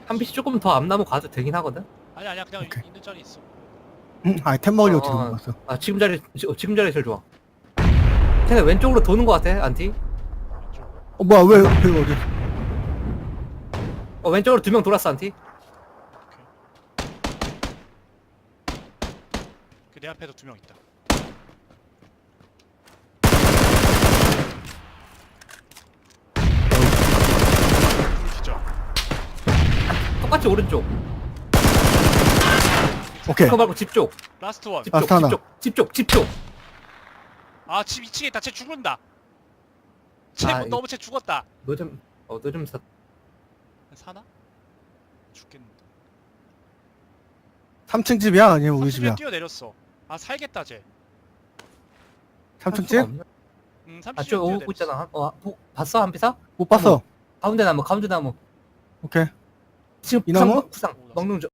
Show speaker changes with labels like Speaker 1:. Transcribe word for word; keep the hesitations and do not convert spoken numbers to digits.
Speaker 1: 한 비씩 조금 더 앞나무 가도 되긴 하거든.
Speaker 2: 아니 아니야 그냥
Speaker 3: 오케이.
Speaker 2: 있는 자리 있어.
Speaker 3: 응, 아이템 먹으려고
Speaker 1: 어,
Speaker 3: 지금
Speaker 1: 어.
Speaker 3: 왔어.
Speaker 1: 아 지금 자리 지- 지금 자리 제일 좋아. 쟤네 왼쪽으로 도는 거 같아 안티.
Speaker 2: 왼쪽.
Speaker 3: 어, 뭐야, 왜, 왜, 어디?
Speaker 1: 어 왼쪽으로 두 명 돌았어 안티.
Speaker 2: 그 내 앞에도 두 명 있다. 둘 기절.
Speaker 1: 똑같이 오른쪽.
Speaker 3: 오케이.
Speaker 1: 그거 말고 집 쪽.
Speaker 2: 라스트 원.
Speaker 1: 집
Speaker 3: 아,
Speaker 1: 쪽.
Speaker 3: 하나.
Speaker 1: 집 쪽. 집 쪽. 집 쪽.
Speaker 2: 아 집 이 층에 있다. 쟤 죽는다. 쟤
Speaker 1: 아,
Speaker 2: 뭐, 너무 쟤 죽었다.
Speaker 1: 너 좀 어 너 좀 사.
Speaker 2: 사나? 죽겠는데.
Speaker 3: 삼 층 집이야? 아니면 우리
Speaker 2: 삼 층에
Speaker 3: 집이야?
Speaker 2: 뛰어내렸어. 아 살겠다 쟤.
Speaker 3: 삼 층
Speaker 1: 할 수가
Speaker 3: 집?
Speaker 1: 없네.
Speaker 2: 응 삼
Speaker 1: 아,
Speaker 2: 층에
Speaker 1: 저 오고
Speaker 2: 뛰어내렸어.
Speaker 1: 있잖아. 어, 보, 봤어 한비사?
Speaker 3: 못 봤어.
Speaker 1: 가운데 나무, 가운데 나무.
Speaker 3: 오케이.
Speaker 1: 지금
Speaker 3: 이
Speaker 1: 구상,
Speaker 3: 나무?
Speaker 1: 먹- 구상 먹는 중.